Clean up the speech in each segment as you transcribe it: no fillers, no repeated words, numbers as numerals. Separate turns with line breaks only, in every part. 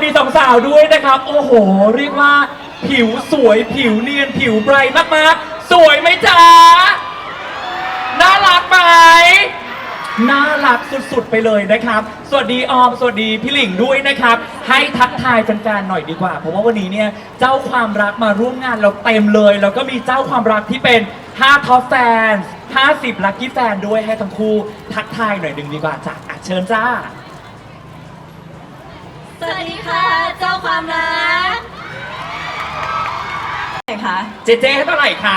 ดีสองสาวด้วยนะครับโอ้โหเรียกว่าผิวสวยผิวเนียนผิวไบรท์มากๆสวยไหมจ๊ะน่ารักไหมน่ารักสุดๆไปเลยนะครับสวัสดีออมสวัสดีพี่หลิงด้วยนะครับให้ทักทายแฟนๆหน่อยดีกว่าเพราะว่าวันนี้เนี่ยเจ้าความรักมาร่วมงานเราเต็มเลยแล้วก็มีเจ้าความรักที่เป็น5ท็อปแฟน50ลัคกี้แฟนด้วยให้ทั้งคู่ทักทายหน่อยหนึ่งดีกว่าจ้ะเชิญจ้า
สวัสดีค่ะเจ้าความรักไหนคะ
เจเจให้เท่าไหร่คะ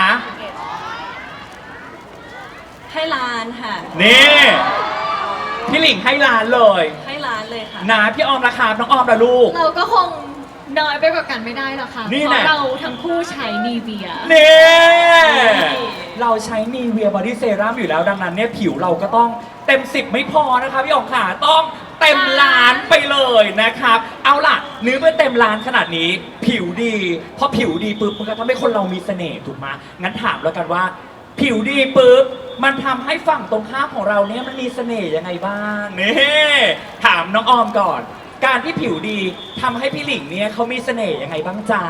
ให้ล้านค่ะ
นี่พี่หลิงให้ล้านเลย
ให้ล้านเลยค่ะ
นะพี่ออมราคาน้องออมละลูก
เราก็คงน้อยไปกว่ากันไม่ได้หรอกค่ะเพราะเราทั้งคู่ใช้นีเวีย
นี่เราใช้นีเวียบอดี้เซรั่มอยู่แล้วดังนั้นเนี่ยผิวเราก็ต้องเต็ม10ไม่พอนะคะพี่ออมค่ะต้องเต็มล้านไปเลยนะครับเอาล่ะเนื้อเมื่อเต็มล้านขนาดนี้ผิวดีพอผิวดีปุ๊บมันก็ทำให้คนเรามีเสน่ห์ถูกไหมงั้นถามแล้วกันว่าผิวดีปุ๊บมันทำให้ฝั่งตรงข้ามของเราเนี่ยมันมีเสน่ห์ยังไงบ้างนี่ถามน้องออมก่อนการที่ผิวดีทำให้พี่หลิงเนี่ยเขามีเสน่ห์ยังไงบ้างจ๊ะ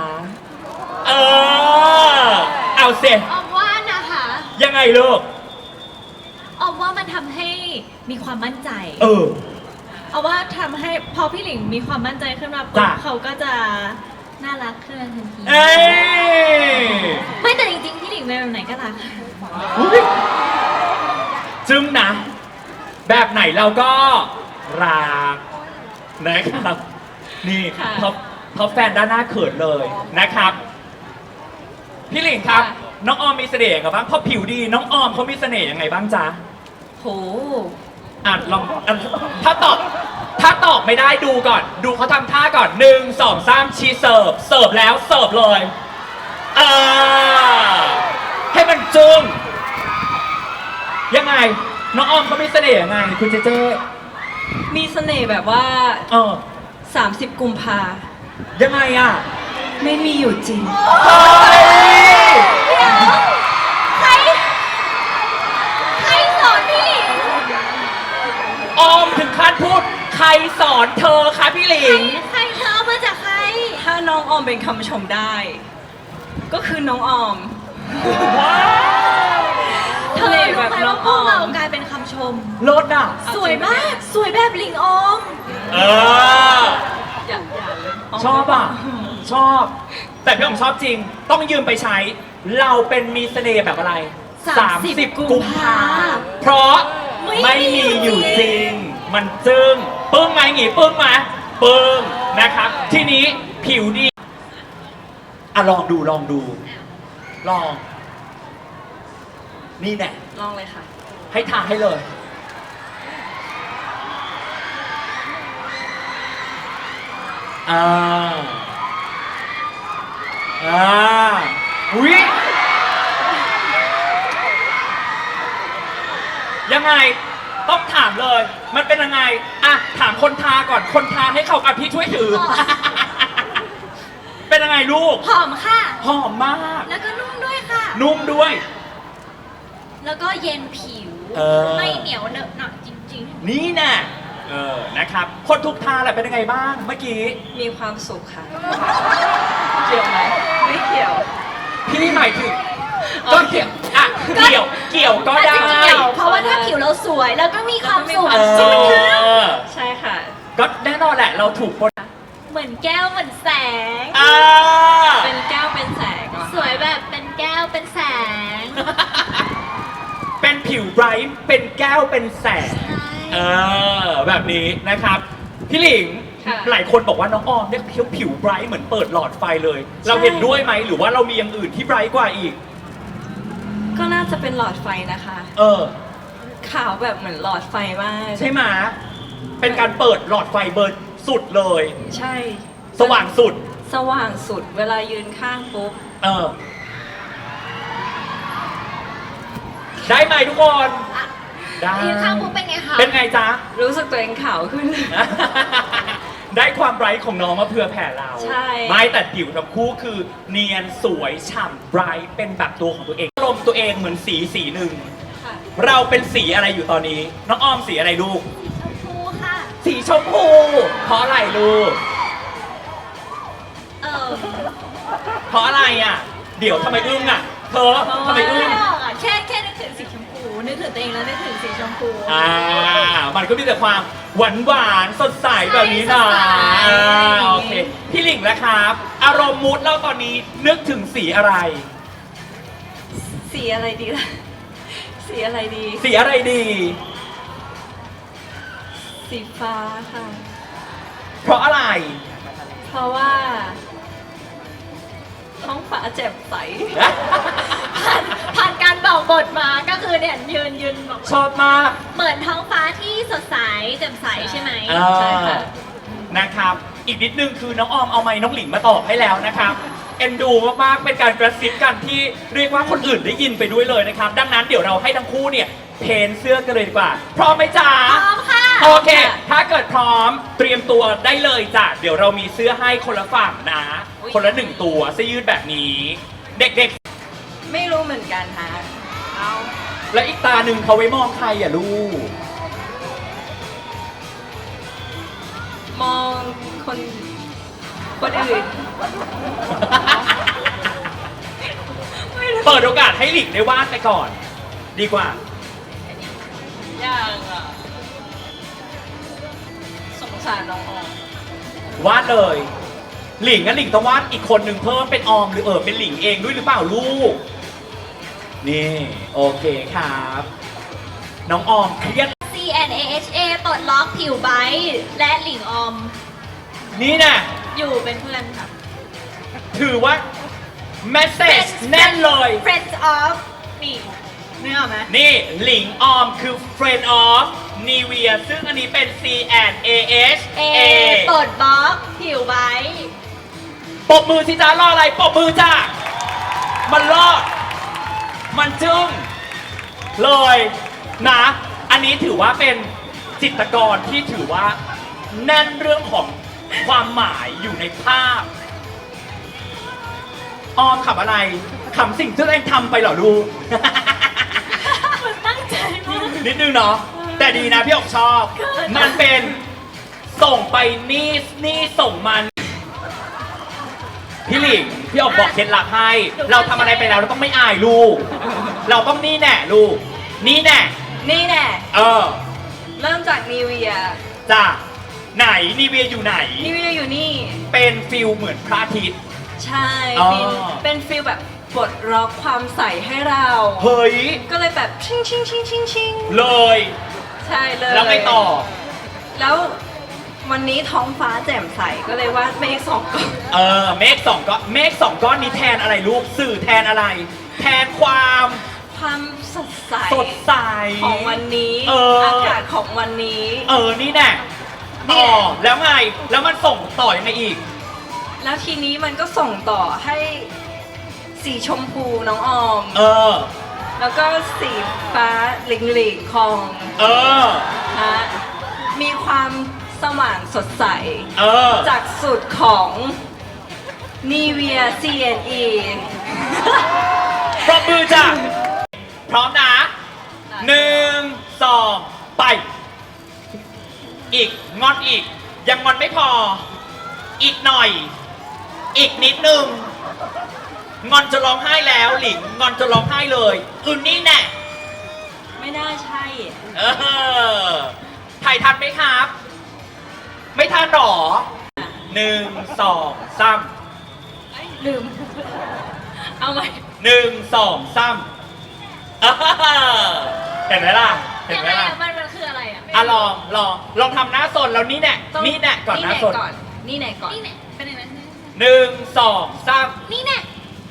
เอาเสร็จ
ออมว่านะคะ
ยังไงลูก
ออมว่ามันทำให้มีความมั่นใจ
เอาว่าทำให้พอพี่หลิงมีความมั่นใจขึ้นมาปุ๊บเขาก็จะน่ารักขึ้นทันที
ไม่แต่จริงๆพี่หลิงเป็นแบบไหนก็รัก
จึ้งนะแบบไหนเราก็รักนะครับนี่ท็อปแฟนด้านหน้าเขินเลยนะครับพี่หลิงครับน้องออมมีเสน่ห์กับบ้างพอผิวดีน้องออมเขามีเสน่ห์ยังไงบ้างจ๊ะ
โห
ลองถ้าตอบไม่ได้ดูก่อนดูเขาทำท่าก่อน1 2 3ชีเสิร์ฟแล้วเสิร์ฟเลยให้มันจึ้งยังไงน้องออมเขามีเสน่ห์ยังไงคุณเจเจ
มีเสน่ห์แบบว่า30 กุมภา
ยังไงอ่ะ
ไม่มีอยู่จริง
ใครสอนพี่หลิง
ออมถึงขั้นพูดใครสอนเธอคะพี่หลิง
ใครเธอมาจากใคร
ถ้าน้องออมเป็นคำชมได้ก็คือน้องออม
ว้าว
เธอรู้ไหมว่าพวกเรากลายเป็นคำชม
ลดอ่ะ
สวยมากสวยแบบหลิงออม
ชอบอ่ะชอบแต่พี่ออมชอบจริงต้องยืมไปใช้เราเป็นมีเสน่ห์แบบอะไร30 กุมภาเพราะไม่มีอยู่จริงมันจึงปึ้งไหมหงีปึ้งไหมปึ้งนะครับทีนี้ผิวดีลองดูลองนี่แน่
ลองเลยค่ะ
ให้ทาให้เลยอุ๊ยยังไงต้องถามเลยมันเป็นยังไงถามคนทาก่อนคนทาให้เขากับพี่ช่วยถือเป็นยังไงลูก
หอมค่ะ
หอมมาก
แล้วก็นุ่มด้วยค่ะ
นุ่มด้วย
แล้วก็เย็นผิวไม่เหนียวเหนอะหนะจริงๆ
นี่แน่นะครับคนทุกทาแหละเป็นยังไงบ้างเมื่อกี้
มีความสุขค่ะเกี่ยวไหมไม่เกี่ยว
พี่หมายถึงก็เกี่ยวเกี่ยวก็ได้
เพราะว่าถ้าผิวเราสวยแล้วก็มีความสุข
ใช่ค่ะ
ก็แน่นอนแหละเราถูกคน
เหมือนแก้วเหมือนแสง
เป็นแก้วเป็นแสง
สวยแบบเป็นแก้วเป็นแสง
เป็นผิวไบรท์เป็นแก้วเป็นแสงแบบนี้นะครับพี่หลิงหลายคนบอกว่าน้องออมเนี่ยผิวไบรท์เหมือนเปิดหลอดไฟเลยเราเห็นด้วยไหมหรือว่าเรามีอย่างอื่นที่ไบรท์กว่าอีก
ก็น่าจะเป็นหลอดไฟนะคะขาวแบบเหมือนหลอดไฟมาก
ใช่ไหมเป็นการเปิดหลอดไฟเบอร์สุดเลย
ใช่
สว่างสุด
เวลายืนข้างปุ๊บ
ได้ไหมทุกคน
ได้ยืนข้างปุ๊บเป็นไงคะ
เป็นไงจ๊ะ
รู้สึกตัวเองขาวขึ้น
ได้ความไบรท์ของน้องมาเพื่อแผ่เรา
ใช่
ไม่แต่ผิวทั้งคู่คือเนียนสวยฉ่ำไบรท์เป็นแบบตัวของตัวเองลมตัวเองเหมือนสีหนึ่งเราเป็นสีอะไรอยู่ตอนนี้น้องออมสีอะไรลูก
ชมพูค่ะ
สีชมพูเพราะอะไรลูก
เออ
เพราะอะไรอ่ะ เดี๋ยวทำไมอึ้งอ่ะ เธอทำไมอึ้
ไม่
ง
ออกอ่ะแค่นึกถึงสีชมพูนึกถึงตัวเองแล้วนึกถึงสีชมพู
มันก็มีแต่ความหวานหวานๆสดใสแบบนี้นะ
ใช่สดใส
โอเค พี่หลิงแล้วครับ อารมณ์มูดเราตอนนี้นึกถึงสีอะไร
สีอะไรดีล่ะ สีอะไรดี
สีอะไรดี
สีฟ้าค่ะ
เพราะอะไร
เพราะว่า ท้องฟ้าแจ่มใส ผ่านการบอกบทมาก็คือเนี่ยยืนบอก
ชอบมาก
เหมือนท้องฟ้าที่สดใสแจ่มใสใช่ไหม
ใช่ค่ะ
นะครับ อีกนิดนึงคือน้องออมเอาไม้น้องหลิงมาตอบให้แล้วนะครับ เอ็นดูมากๆ เป็นการกระซิบกันที่เรียกว่าคนอื่นได้ยินไปด้วยเลยนะครับ ดังนั้นเดี๋ยวเราให้ทั้งคู่เนี่ยเพนเสื้อกันเลยดีกว่า พร้อมไหมจ๊ะ
พร้อมค่ะ
โอเค ถ้าเกิดพร้อมเตรียมตัวได้เลยจ้ะ เดี๋ยวเรามีเสื้อให้คนละฝั่งนะ คนละ1ตัวเสื้อยืดแบบนี้ เด็ก
ไม่รู้เหมือนกันฮะ เอา
ๆ แล้วอีกตาหนึ่งเขาไว้มองใครอ่ะลูก
มองคนอื่น
เปิดโอกาสให้หลิงได้วาดไปก่อน ดีกว่า
ยากอ่ะ สงสารน้องออม
วาดเลย หลิงงั้นหลิงต้องวาดอีกคนหนึ่งเพิ่มเป็นออมหรือเป็นหลิงเองด้วยหรือเปล่าลูก นี่ โอเคครับ น้องออมเครียด
CNAHA ปลดล็อกผิวไบท์และหลิงออม
นี่นะ
อยู่เป็นเพื่อนค่ะ
ถือว่า แมสเซจแน่นเลย
Friends of
นี่นึกออกไหม
นี่หลิงออมคือ Friend of Nivea ซึ่งอันนี้เป็น CNAHA
ปลดบล็อกผิวไบท์
ปรบมือสิจ้ารออะไรปรบมือจ้ามันรอด มันจึ้งเลยนะ อันนี้ถือว่าเป็นจิตรกรที่ถือว่าแน่นเรื่องของความหมายอยู่ในภาพ ออมขำอะไรขำสิ่งที่ตัวเองทำไปเหรอลูก
มันตั้งใจมาก
นิดนึงเนาะแต่ดีนะพี่ออกชอบ มันเป็นส่งไปนี่ส่งมัน พี่หลิงพี่ออกบอกเคล็ดลับให้ เราทำอะไรไปแล้วเราต้องไม่อายลูก เราต้องนี่แน่ลูก นี่แน่
นี่แน่
เ
เริ่มจากนีเวีย
จ้ะไหนนีเวียอยู่ไหน
นีเวียอยู่นี่
เป็นฟิลเหมือนพระอาทิตย์
ใช่
อ๋อ
เป็นฟีลแบบปลดล็อกความใสให้เรา
เฮ้ย
ก็เลยแบบชิงชิงชิงชิงชิง
เลย
ใช่เลย
แล้วไงต่อ
แล้ววันนี้ท้องฟ้าแจ่มใสก็เลยวาดเมฆสองก้อน
เมฆสองก้อนนี้แทนอะไรลูกสื่อแทนอะไร แทนความ
ความสดใส
สดใส
ของวันนี้ อากาศของวันนี้
นี่แน่
นี่
ต่อ
แหละ
แล้วไง แล้วมันส่งต่อยังไงอีก
แล้วทีนี้มันก็ส่งต่อให้สีชมพูน้องออม แล้วก็สีฟ้าหลิงหลิงของ นะมีความสว่างสดใส จากสูตรของ Nivea CNE
ปรบมือจ้ะ พร้อมนะ1 2 ไป อีกงอนอีก ยังงอนไม่พอ อีกหน่อย อีกนิดนึง งอนจะร้องไห้แล้วหลิง งอนจะร้องไห้เลยนี่แน่
ไม่น่าใช่
ถ่ายทันไหมครับ ไม่ทันหรอ1 2 3
ลืม เอาใหม่
1 2 3เห็นไหมล่ะ เห็น
ยัง
ไหม
ไง
ล่ะ
อะมันคืออะไรอ่ะ
ลองทำหน้าสนแล้วนี่แน่
ต้อง
นี่แน่ก่อนหน้าสน
นี่ไหนก่อน
นี่เนี่ยเป็นอย่างนั้น
1 2 3
นี่เนี่ย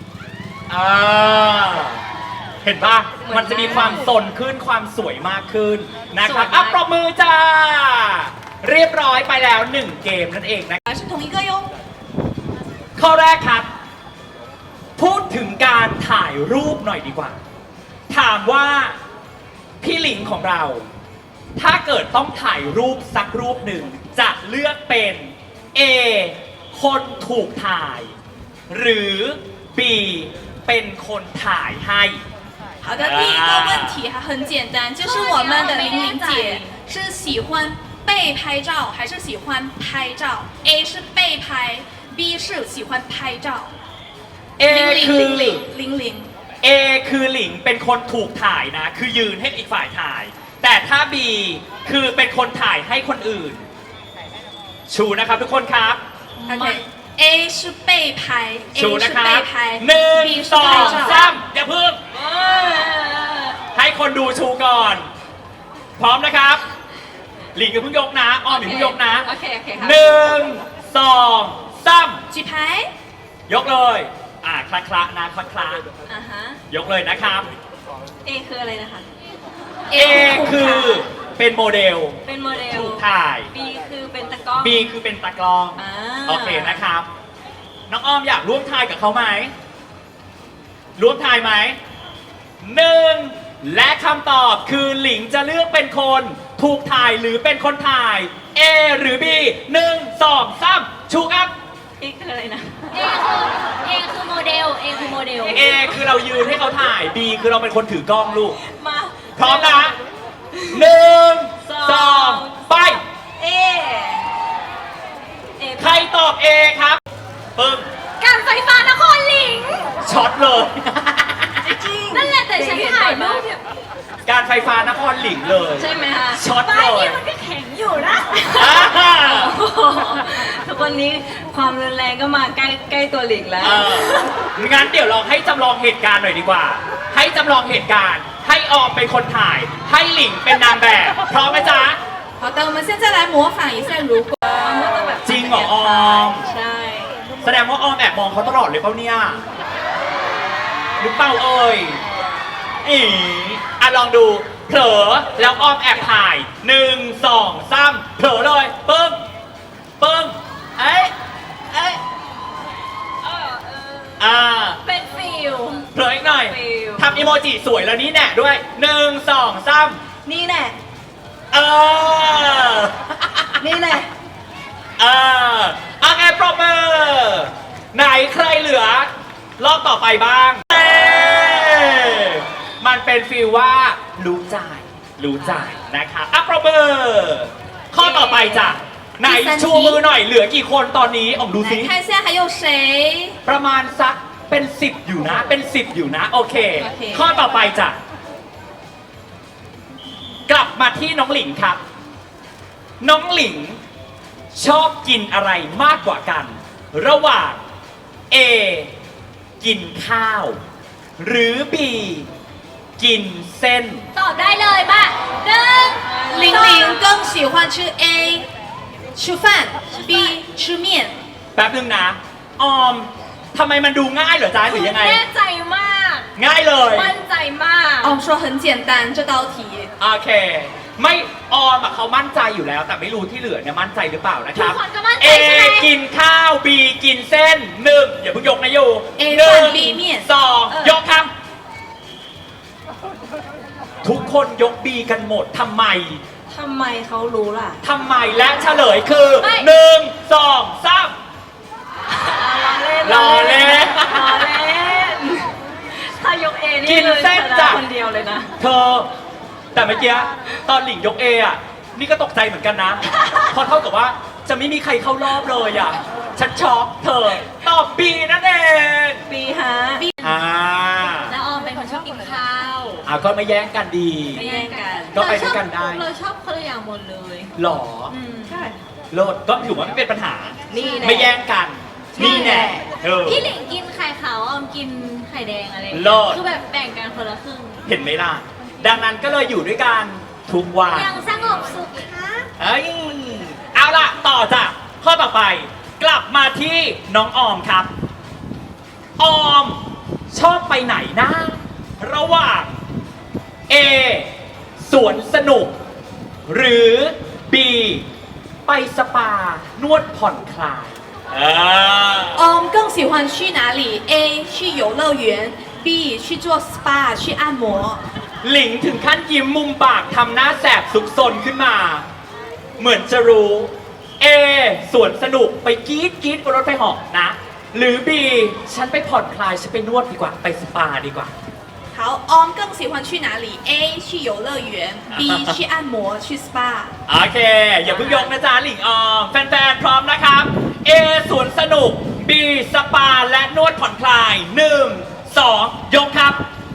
เห็นป่ะ มันจะมีความสนขึ้นความสวยมากขึ้นนะครับ
สวยมาก
ปรบมือจ้า เรียบร้อยไปแล้ว 1 เกมนั่นเองนะ
是同一个哟
ข้อแรกครับ พูดถึงการถ่ายรูปหน่อยดีกว่า ถามว่าพี่หลิงของเรา ถ้าเกิดต้องถ่ายรูปสักรูปหนึ่ง จะเลือกเป็น A คนถูกถ่าย หรือ B เป็นคนถ่ายให้
好的，第一个问题还很简单，就是我们的玲玲姐是喜欢被拍照还是喜欢拍照？A 是被拍 B 是喜欢拍照，
A คือ
0000。
A คือหลิงเป็นคนถูกถ่ายนะ คือยืนให้อีกฝ่ายถ่าย แต่ถ้า B คือเป็นคนถ่ายให้คนอื่น ชูนะครับทุกคนครับ
OK。A 是被拍 ，A
ชูนะ
是
ครับ
被拍
หนึ่ง
，B 是
สอง
拍
สา
照。
มอย่าเพิ่งให้คนดูชูก่อน พร้อมนะครับ หลิงอย่าเพิ่งยกนะอ้อมอย่าเพิ่งยกนะ
โอเคโอเคครับ
หนึ่งสองสาม
举牌。
ยกเลยคละคละนะคละคละ
อ่าฮะ
ยกเลยนะครับ
A คืออะไรนะคะ
A คือเป็นโมเดล
เป็นโมเดล
ถูกถ่าย
B คือเป็นตะกร้อง
B คือเป็นตากล้อง
อ่า
โอเคนะครับ น้องอ้อมอยากร่วมทายกับเขาไหม ร่วมทายไหมหนึ่งและคำตอบคือหลิงจะเลือกเป็นคนถูกถ่ายหรือเป็นคนถ่าย A หรือ B หนึ่งสองสามชูครับ
A คืออะไรนะ
A คือโมเดล A คือโมเดล
A คือเรายืนให้เขาถ่าย B คือเราเป็นคนถือกล้องลูก
มา
พร้อมนะหนึ่งสองไป
A A
ใครตอบ A ครับปึ้ง
การไฟฟ้านครหลิง
ช็อตเลย
จริง
นั่นแหละแต่ฉันถ่ายรูป
การไฟฟ้านครหลิงเลย
ใช่ไหมคะ
ช็อต
ป้า
เลย
นี่มันก็แข็งอยู่นะ
อ่า
ทุกวันนี้ความรุนแรงก็มาใกล้ตัวหลิงแล้ว
เอองั้นเดี๋ยวลองให้จำลองเหตุการณ์หน่อยดีกว่า ให้จำลองเหตุการณ์ ให้ออมเป็นคนถ่าย ให้หลิงเป็นนางแบบ พร้อมไหมจ๊ะ
好的，我们现在来模仿一下，如果
จริงเหรอออม
ใช่
แสดงว่าออมแอบมองเขาตลอดเลยเปล่าเนี่ยหรือเปล่าเอ่ยลองดู เผลอ แล้วออมแอบถ่ายหนึ่งสองสามเผลอเลยปึ้งปึ้งเอ้ย
เป็นฟิล
เผลออีกหน่อย
ฟิล
ทำอีโมจิสวยแล้วนี่แน่ด้วยหนึ่งสองสาม
นี่แน่
เออ
นี่แน่
โอเคปรบมือไหนใครเหลือ รอบต่อไปบ้างเอ้มันเป็นฟีลว่ารู้ใจนะครับปรบมือข้อต่อไปจ้ะไหนชูมือหน่อยเหลือกี่คนตอนนี้ออกดูซิ
来看一下还有谁？
ประมาณสักเป็น10อยู่นะเป็น10อยู่นะโอเค
โอเค
ข้อต่อไปจ้ะกลับมาที่น้องหลิงครับ น้องหลิงชอบกินอะไรมากกว่ากัน ระหว่าง A กินข้าว หรือ B กินเส้น
ตอบได้เลยป่ะหนึ่ง
玲玲更喜欢吃 A，吃饭；B 吃面。
แป๊บนึงนะ ออมทำไมมันดูง่ายเหรอจ๊ะหรือยังไง
แน่ใจมาก
ง่ายเลย
มั่นใจมาก
哦，说很简单这道题。
โอเค ไม่ออมอะเขามั่นใจอยู่แล้ว แต่ไม่รู้ที่เหลือเนี่ยมั่นใจหรือเปล่านะครับ
ทุกคนก็มั่นใจ
A
ใช่ไหม
กินข้าว B กินเส้นหนึ่งอย่าเพิ่งยกนะโย
A
หนึ่ง
饭 B 面
สองยกครับ ทุกคนยก B กันหมดทำไม
ทำไมเขารู้ล่ะ
ทำไมและเฉลยคือ
ไม่
หนึ่งสองสาม
ล้อเล่น
ล้อเล่น
ล้อเล่น ถ้ายกเอนี่
กิน
เลย
เส้น
ชนะ
จ้ะ
คนเดียวเลยนะ
เธอ แต่เมื่อกี้ตอนหลิงยก A อ่ะ นี่ก็ตกใจเหมือนกันนะ เพราะเท่ากับว่าจะไม่มีใครเข้ารอบเลยอ่ะ ฉันช็อกเธอ ตอบ B นั่นเอง
ปีฮะ
อ่า
แล้วออมเป็นคนชอบกินข้าว
ก็ไม่แย่งกันดี
ไม่แย่งกัน
ก็ไปด้วยกันได้
เราชอบคนละอย่างหมดเลย
หรอ
ใช่
โลดก็ถือว่าไม่เป็นปัญหา
นี่แน่
ไม่แย่งกัน นี่แน่เออ
พี่หลิงกินไข่ขาวออมกินไข่แดงอะไรอย่าง
เลิ
เงี้
ศ
ยคือแบบแบ่งกันคนละครึ่ง
เห็นไหมล่ะ ดังนั้นก็เลยอยู่ด้วยกันทุกวัน
ยังสงบสุขค่ะ
เอ้ยเอาล่ะ ต่อจ้ะข้อต่อไป กลับมาที่น้องออมครับ ออมชอบไปไหนนะ ระหว่าง A สวนสนุก หรือ B ไปสปานวดผ่อนคลาย
更喜欢去哪里？A 去游乐园，B 去做 SPA 去按摩。
หลิงถึงขั้นยิ้มมุมปากทำหน้าแสบซุกซนขึ้นมา เหมือนจะรู้ A สวนสนุกไปกรี๊ดบนรถไฟเหาะนะ หรือ B ฉันไปผ่อนคลาย ฉันไปนวดดีกว่า ไปสปาดีกว่า
好更喜欢去哪里？A 去游乐园，B 去按摩去 SPA。
โอเค อย่าเพิ่งยกนะจ๊ะหลิงออม แฟนๆ พร้อมนะครับ A สวนสนุก B สปาและนวดผ่อนคลาย 1 2 ยกครับ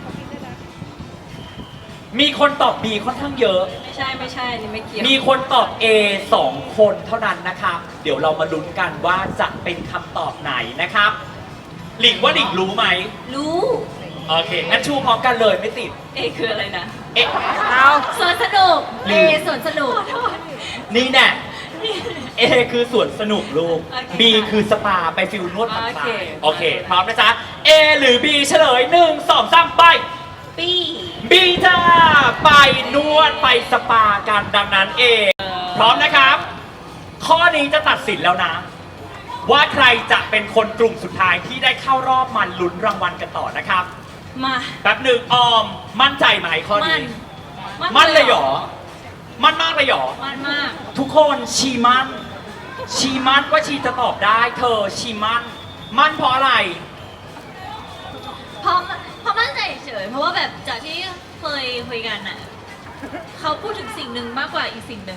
มีคนตอบ B ค่อนข้างเยอะ
ไม่ใช่อันนี่ไม่เกี่ยว
มีคนตอบ A 2 คนเท่านั้นนะครับ เดี๋ยวเรามาลุ้นกันว่าจะเป็นคำตอบไหนนะครับ หลิงว่าหลิงรู้ไหม
รู้
โอเค งั้นชูพร้อมกันเลยไม่ติด
เอคืออะไรนะ
เอ๊ะ
สวนสนุก
หรื
เอ
อ
สวนสนุก
นี่แน่ A คือสวนสนุกลูก
โอเค
B คือสปาไปฟิลนวดผ่อนคลา
โอเค
ยโอเค พร้อมนะจ๊ะ A หรือ B เฉลย 1 2 3 ไป
ปี
B จ้า ไปนวดไปสปากันดังนั้น A พร้อมนะครับ ข้อนี้จะตัดสินแล้วนะ ว่าใครจะเป็นคนกลุ่มสุดท้ายที่ได้เข้ารอบมันลุ้นรางวัลกันต่อนะครับ
มา
แป๊บหนึ่งออม มั่นใจไหมข้อ
มั
นี้
น
มั่นเลยเหรอ มั่นมากเลยเหรอ
มันมาก
ทุกคนชีมั่นว่าชีจะตอบได้ เธอชีมั่นเพราะอะไร
เพราะมั่นใจเฉยเพราะว่าแบบจากที่เคยคุยกันอ่ะเขาพูดถึงสิ่งหนึ่งมากกว่าอีกสิ่งหนึ่ง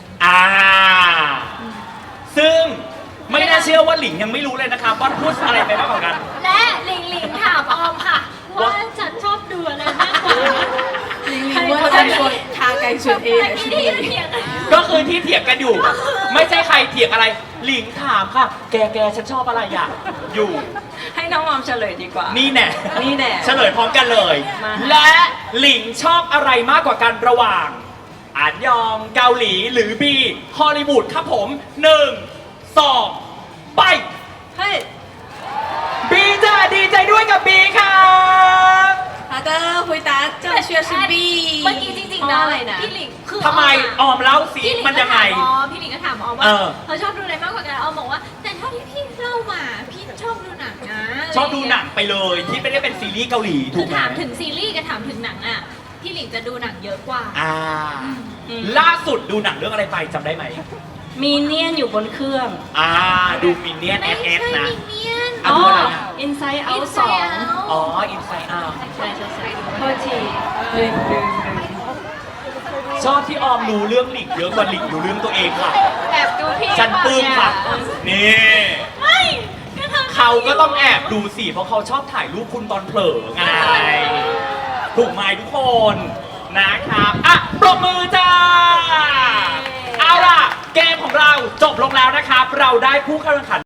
ซึ่งไม่น่าเชื่อว่าหลิงยังไม่รู้เลยนะครับว่าพูดอะไรไปมากกว่ากัน
และหลิงหลิงถามออมค่ะ ว่าฉันชอบดูอะไรมากกว่า
玲玲问他说他该选 A 还是
ที่
B
เถียงกัน
ก็คือที่เถียงกันอยู่ ไม่ใช่ใครเถียงอะไร หลิงถามค่ะ แกฉันชอบอะไรอ่ะอยู่
ให้น้องออมเฉลยดีกว่า
นี่แน่
นี่แน่
เฉลยพร้อมกันเลย
มา
และหลิงชอบอะไรมากกว่ากันระหว่างอันยองเกาหลีหรือบีฮอลลีวูดครับผม 1 2 ไป
เฮ้ย
บีจ้าดีใจด้วยกับบีครับ
好的，回答正确是 B。
เมื่อกี้จริงๆ
เพ
นะ
ราะอะไรนะ
พี่หลิงคือ
ทำไมออมเล่าสิ
พี่หลิง
มัน
ก็
ยังไง
ถามออมพี่หลิงก็ถามออมว่า
เออ
เขาชอบดูอะไรมากกว่ากันออมบอกว่า แต่เท่าที่พี่เล่ามาพี่ชอบดูหนังนะ
ชอบดูหนังไปเลยที่ไม่ได้เป็นซีรีส์เกาหลีถู
คื
ก
อ
ไหม
ถามถึงซีรีส์กับถามถึงหนังอ่ะพี่หลิงจะดูหนังเยอะกว่า
ล่าสุดดูหนังเรื่องอะไรไปจำได้ไหม
มีเนียนอยู่บนเครื่อง
ดูมินเนี่ยน
ไม่
เอ
ใช่
สนะ
มินเนี่ยน
อ่ะ ดูอะไรอ่ะ
Inside Out
อินไซ
2
ด์เอา
อ๋อ อินไซด์อา
ใช่โทษทีลืม
ชอบที่ออมรู้เรื่องหลิงเยอะกว่าหลิงรู้เรื่องตัวเองค่ะ
แอบดูพี่
ฉันปลื้มค่ะ นี่
ไม่ก็ทำ
เขาก็ต้องแอบดูสิ เพราะเขาชอบถ่ายรูปคุณตอนเผลอไง ถูกไหมทุกคนนะครับ อ่ะ ปรบมือจ้า เอาล่ะ เกมของเราจบลงแล้วนะครับ เราได้ผู้เข้าแข่งขัน